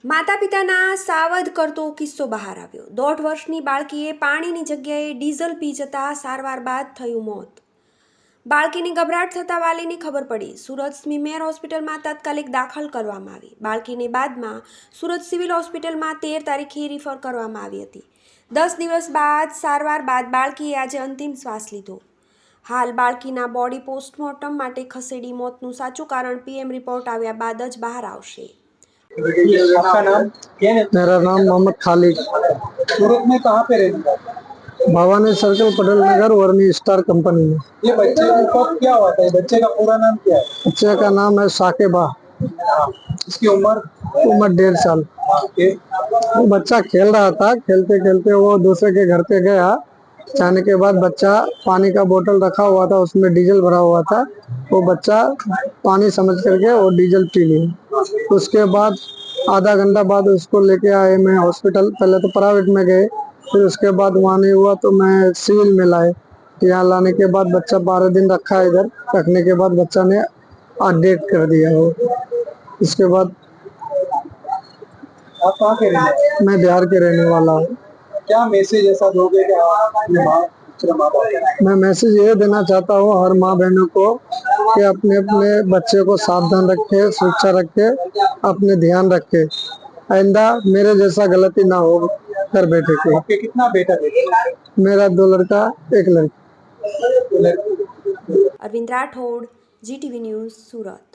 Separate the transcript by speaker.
Speaker 1: માતા પિતાના સાવધ કરતો કિસ્સો બહાર આવ્યો। 1.5 વર્ષની બાળકીએ પાણીની જગ્યાએ ડીઝલ પી જતા સારવાર બાદ થયું મોત। બાળકીને ગભરાટ થતા વાલીને ખબર પડી। સુરત સ્મીમેર હોસ્પિટલમાં તાત્કાલિક દાખલ કરવામાં આવી। બાળકીને બાદમાં સુરત સિવિલ હોસ્પિટલમાં 13 તારીખે રિફર કરવામાં આવી હતી। 10 દિવસ બાદ સારવાર બાદ બાળકીએ આજે અંતિમ શ્વાસ લીધો। હાલ બાળકીના બોડી પોસ્ટમોર્ટમ માટે ખસેડી મોતનું સાચું કારણ પીએમ રિપોર્ટ આવ્યા બાદ જ બહાર આવશે।
Speaker 2: आपका नाम क्या है?
Speaker 3: मेरा नाम मोहम्मद खालिद।
Speaker 2: सूरत में कहाँ पे रहते हैं?
Speaker 3: भवानी सर्कल पटेल नगर वर्मी स्टार कंपनी में।
Speaker 2: ये बच्चे को कब क्या हुआ था? बच्चे का पूरा नाम क्या है?
Speaker 3: बच्चे का नाम है साकेबा।
Speaker 2: इसकी उम्र?
Speaker 3: उम्र 1.5 साल। वो बच्चा खेल रहा था, खेलते खेलते वो दूसरे के घर पे गया। जाने के बाद बच्चा पानी का बोतल रखा हुआ था, उसमें डीजल भरा हुआ था। वो बच्चा पानी समझ करके वो डीजल पी लिया। उसके बाद आधा घंटा बाद उसको लेके आए मैं हॉस्पिटल। पहले तो प्राइवेट में गए, फिर उसके बाद वहाँ नहीं हुआ तो मैं सिविल में लाए। यहाँ लाने के बाद बच्चा 12 दिन रखा है। इधर रखने के बाद बच्चा ने डेथ कर दिया हो। इसके बाद
Speaker 2: आप कहाँ के रहने वाले हैं?
Speaker 3: मैं बिहार के रहने वाला हूँ।
Speaker 2: क्या मैसेज ऐसा दोगे कि अपने माँ बाप
Speaker 3: मैं मैसेज ये देना चाहता हूँ हर माँ बहनों को कि अपने अपने बच्चे को सावधान रखे, सुरक्षा रखे, अपने ध्यान रखे। आइंदा मेरे जैसा गलती ना हो घर बेटे की।
Speaker 2: आपके कितना बेटा बेटा?
Speaker 3: मेरा 2 लड़का 1 लड़की।
Speaker 1: अरविंद राठौड़, GTV न्यूज़, सूरत।